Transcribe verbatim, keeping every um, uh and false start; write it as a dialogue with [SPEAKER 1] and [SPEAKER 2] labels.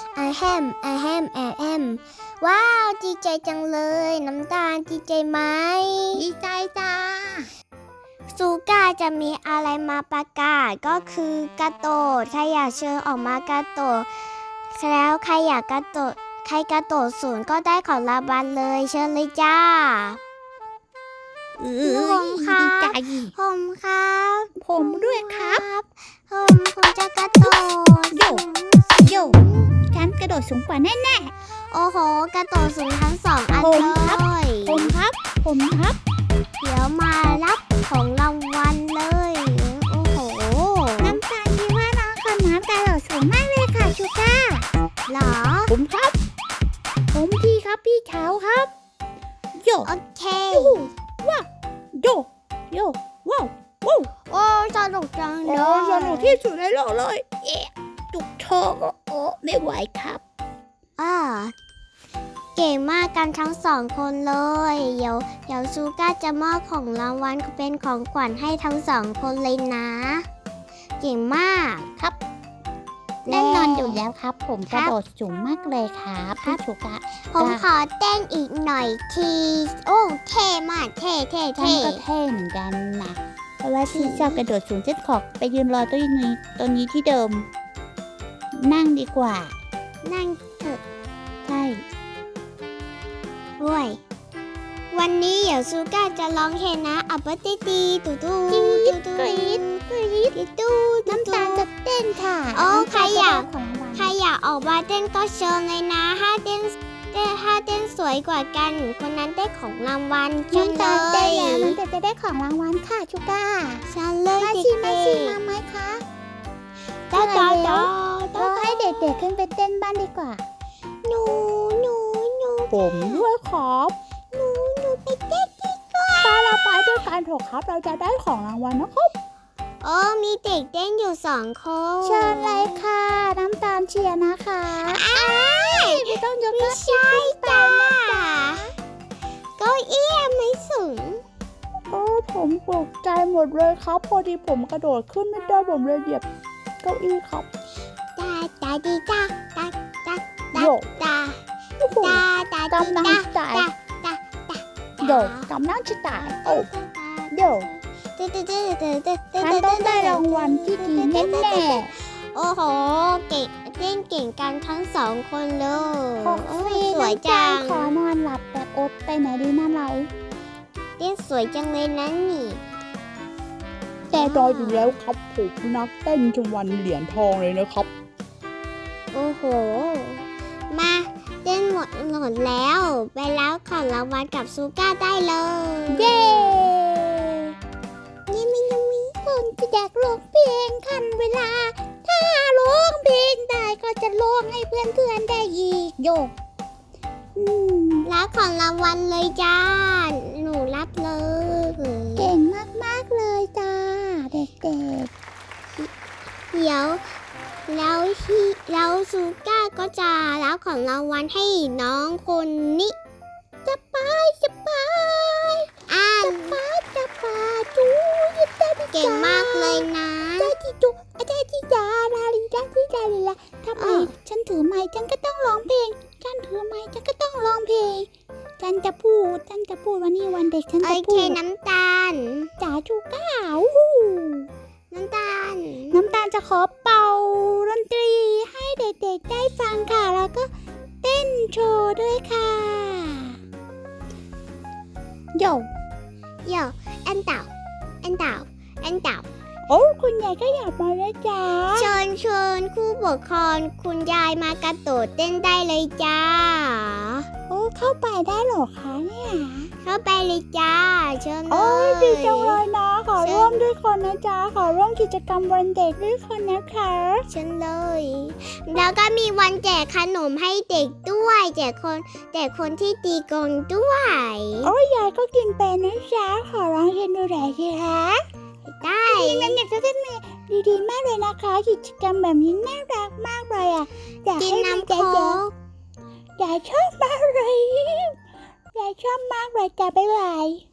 [SPEAKER 1] อะแฮมอะแฮมอะแฮมว้าวดีใจจังเลยน้ำตาลดีใจไหม
[SPEAKER 2] ดีใจจ้า
[SPEAKER 1] ซูก้าจะมีอะไรมาประกาศก็คือกระโดดใครอยากเชิญออกมากระโดดแล้วใครอยากกระโดดใครกระโดดศูนย์ก็ได้ของรางวัลเลยเชิญเลยจ้าผมครับผมครับ
[SPEAKER 2] ผมด้วยครับ
[SPEAKER 1] ผมผมจะกระโดด
[SPEAKER 2] โยโยฉันกระโดดสูงกว่าแน่
[SPEAKER 1] ๆโอ้โหกระโดดสูงทั้งสองอันเลย
[SPEAKER 2] ผมครับผมครับ
[SPEAKER 1] เดี๋ยวมารับของรางวัลเลยโอ้โห
[SPEAKER 2] น้ำตาลคิดว่าน้องคนน้ำกระโดดสูงมากเลยค่ะชูก้า
[SPEAKER 1] หรอ
[SPEAKER 2] ผมครับผมพี่ครับพี่เช้าครับโย
[SPEAKER 1] โอเค
[SPEAKER 2] ว้าวโยโยว้าวว้าว
[SPEAKER 1] โอ้สนุกจังเลย
[SPEAKER 2] สนุกที่สุดในโลกเลยเอ๊ะจุกท้องโอ้ไม่ไหวครับ
[SPEAKER 1] อ่าเก่งมากกันทั้งสองคนเลยเดี๋ยวเดี๋ยวซูก้าจะมอบของรางวัลเป็นของขวัญให้ทั้งสองคนเลยนะเก่งมาก
[SPEAKER 2] ครับแน่นอนอยู่แล้วครับผมกระโดดสูงมากเลยครับพี่ชูก้า
[SPEAKER 1] ผมขอเต้นอีกหน่อยทีโอ้เท่มากเท่เท่เท่
[SPEAKER 2] ก็เท่เหมือนกันนะเพราะว่าที่ชอบกระโดดสูงเจ็ดขอบไปยืนรอตัวนี้ตัวนี้ที่เดิมนั่งดีกว่า
[SPEAKER 1] นั่งเถอะ
[SPEAKER 2] ใช่
[SPEAKER 1] ด้วยวันนี้เดี๋ยวซูก้าจะร้องเพลงนะอัปติตีตูตู
[SPEAKER 2] ตูตูกรี๊ดกรี๊ด
[SPEAKER 1] ตู
[SPEAKER 2] น้ำตาลจะเต้นค่ะ
[SPEAKER 1] โอ้ใครอยากใครอยากออกมาเต้นก็เชิญเลยนะถ้าเต้นถ้าเต้นสวยกว่ากันคนนั้นได้ของรางวัล
[SPEAKER 2] น้ำตาลได้แล้วน้ำตาลจะได้ของรางวัลค่ะชูก้า
[SPEAKER 1] เชิญเลย
[SPEAKER 2] มาชิมาชิมาไหมคะ
[SPEAKER 1] ต่อต่อต่อ
[SPEAKER 2] เราให้เด็กๆขึ้นไปเต้นบ้านดีกว่า
[SPEAKER 1] หนูหนูหนู
[SPEAKER 2] ผมด้วยครับ
[SPEAKER 1] หนูหนูไปเต้นดีกว่า
[SPEAKER 2] ไปเราไปด้วยกันเถอะครับเราจะได้ของรางวัลนะครับ
[SPEAKER 1] โอ้มีเด็กเต้นอยู่สองคน
[SPEAKER 2] เชิญเลยค่ะน้ำตาลเชียร์นะคะ
[SPEAKER 1] อ้าย
[SPEAKER 2] ไม่ต้องยก
[SPEAKER 1] ไม่ใช่จ้าเก้าอี้ไม่สูง
[SPEAKER 2] โอ้ผมตกใจหมดเลยครับพอดีผมกระโดดขึ้นไม่ได้ผมเลยเหยียบเก้าอี้ครับ
[SPEAKER 1] ตาตาดีตาตาตาตาตาตาตา
[SPEAKER 2] ตากำลังจ่ายโยกำลังจะตายโอ้โยฉันต้องได้รางวัลที่ดีแน่
[SPEAKER 1] ๆโอ้โหเก่งเต้นเก่งกันทั้งสองคนเลย
[SPEAKER 2] สวยจังขอนอนหลับแบบอดไปไหนดีนะเรา
[SPEAKER 1] เต้นสวยจังเลยนะนี่
[SPEAKER 2] แต่รออยู่แล้วครับผมนักเต้นจนวันเหรียญทองเลยนะครับ
[SPEAKER 1] โอ้โหมาเต้นหมดหมดแล้วไปแล้วของรางวัลกับซูก้าได้เลย
[SPEAKER 2] เย้
[SPEAKER 1] นี่มินมิ
[SPEAKER 2] ผมจะอยากร้องเพลงทันเวลาถ้าร้องเพลงได้ก็จะร้องให้เพื่อนเพื่อนได้อีกโยก
[SPEAKER 1] รับของรางวัลเลยจ้าหนูรับเลย
[SPEAKER 2] เก่งมากๆเลยจ้าเด็ก
[SPEAKER 1] ๆเดี๋ยวแล้วที่แล้วซูก้าก็จะรับของรางวัลให้น้องคนนี้
[SPEAKER 2] จะไปจะไป
[SPEAKER 1] อ่าน
[SPEAKER 2] จะไปจะไปจูยิบได้
[SPEAKER 1] เก่งมากเลยนะ
[SPEAKER 2] ได้ที่จูได้ที่ยาลาลีได้ที่ดาลีละทำไมฉันถือไม้ฉันก็ต้องร้องเพลงฉันถือไม้ฉันก็ต้องร้องเพลงฉันจะพูดฉันจะพูดวันนี้วันเด็กฉันจะพูด
[SPEAKER 1] โอเคน้ำตาล
[SPEAKER 2] จ๋าชูก้า
[SPEAKER 1] น้ำตาล
[SPEAKER 2] น้ำตาลจะขอเป่าดนตรีให้เด็กๆได้ฟังค่ะแล้วก็เต้นโชว์ด้วยค่ะโย
[SPEAKER 1] โยแอนเต่าแอนเต่าแอนเต่า
[SPEAKER 2] โอ้คุณยายก็อยากมาแล้วจ้า
[SPEAKER 1] เชิญเชิญผู้ปกครองคุณยายมากระโดดเต้นได้เลยจ้า
[SPEAKER 2] โอ้เข้าไปได้หรอคะเนี่ย
[SPEAKER 1] เข้าไปเลยจ้าเชิญเลย
[SPEAKER 2] โอ้ยดีจังเลยนะขอร่วมด้วยคนนะจ้าขอร่วมกิจกรรมวันเด็กด้วยคนนะคะ
[SPEAKER 1] เชิญเลยแล้วก็มีวันแจกขนมให้เด็กด้วยแจกคนแจกคนที่ตีกลองด้วย
[SPEAKER 2] โอ้ยยายก็กินเป็นนะจ้าขอร้องเชิญดูหน่อยสิคะ
[SPEAKER 1] ได้
[SPEAKER 2] นั่นเนี่ยจะเป็นดีๆมากเลยนะคะกิจกรรมแบบนี้น่ารักมากเลยอ่ะ
[SPEAKER 1] อยากให้น้ำโค้ก
[SPEAKER 2] ยายชอบมากเลยยายชอบมากเลยจ้ะบ๊ายบาย